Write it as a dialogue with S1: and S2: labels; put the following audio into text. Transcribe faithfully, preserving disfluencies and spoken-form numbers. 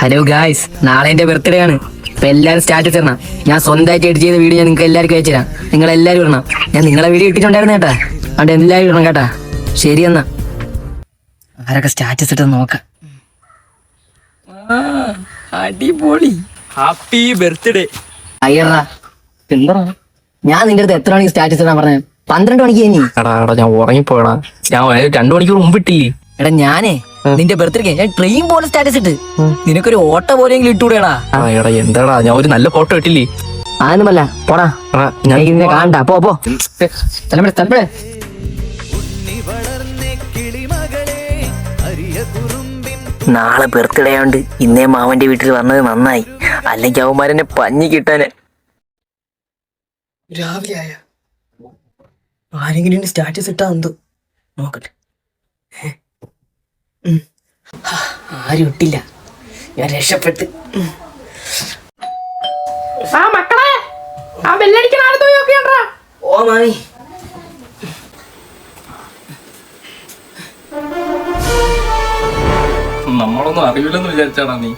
S1: Hello guys, നാളെ എന്റെ birthday ആണ്. അപ്പൊ എല്ലാവരും സ്റ്റാറ്റസ് ഇടണം. ഞാൻ സ്വന്തമായിട്ട് എഡിറ്റ് ചെയ്ത വീഡിയോ ഞാൻ നിങ്ങൾക്ക് എല്ലാവർക്കും അയച്ചു തരാം. നിങ്ങൾ എല്ലാവരും ഇടണം. ഞാൻ നിങ്ങളെ വീഡിയോ ഇട്ടിട്ടുണ്ടായിരുന്നു കേട്ടാ. അതുകൊണ്ട് എല്ലാവരും ഇടണം കേട്ടാ. ശരി എന്നാ. ആരൊക്കെ സ്റ്റാറ്റസ് ഇട്ടെന്ന് നോക്കാം. അടിപൊളി,
S2: ഹാപ്പി ബർത്ത്ഡേ.
S1: അയ്യറാ എന്താ ഞാൻ നിന്റെ അടുത്ത് എത്ര മണിക്ക് സ്റ്റാറ്റസ് ഇടാൻ പറഞ്ഞത്? പന്ത്രണ്ട് മണിക്ക് കഴിഞ്ഞി.
S2: എടാ എടാ ഞാൻ ഉറങ്ങിപ്പോയടാ. ഞാൻ രണ്ടു മണിക്കൂർ മുമ്പ് ഇട്ടില്ലേ.
S1: എടാ ഞാനേ നിന്റെ ബർത്ത്ഡേക്ക് ഞാൻ ട്രെയിൻ പോലെ സ്റ്റാറ്റസ് ഇട്ട്. നിനക്കൊരു ഓട്ടോ പോലെയെങ്കിലും ഇട്ടുകൂടെടാ.
S2: എടാ എന്താടാ, ഞാൻ ഒരു നല്ല ഫോട്ടോ ഇട്ടില്ലേ.
S1: ആയൊന്നുമല്ല, പോടാ.
S2: എടാ ഞാൻ
S1: നിന്നെ കാണണ്ട. പോ പോ തലമുറ തലമുറ. നാളെ ബർത്ത്ഡേ ആയോണ്ട് ഇന്നേ മാമന്റെ വീട്ടിൽ വന്നത് നന്നായി. അല്ലെങ്കിൽ അവന്മാരെന്നെ പഞ്ഞി കിട്ടാന്. രാവിലെ ആയ ആരെങ്കിലും സ്റ്റാറ്റസ് ഇട്ടാ എന്തോ നോക്കട്ടെ. ആരും ഇട്ടില്ല. ഞാൻ രക്ഷപ്പെട്ട്.
S3: ആ മക്കളെ, ആ ബെല്ലടിക്കണ ആളത്ത് പോയി നോക്കിയാണ്ടാ.
S1: ഓ മാമി.
S2: നമ്മളൊന്നും അറിയില്ലെന്ന് വിചാരിച്ചാടാ നീ.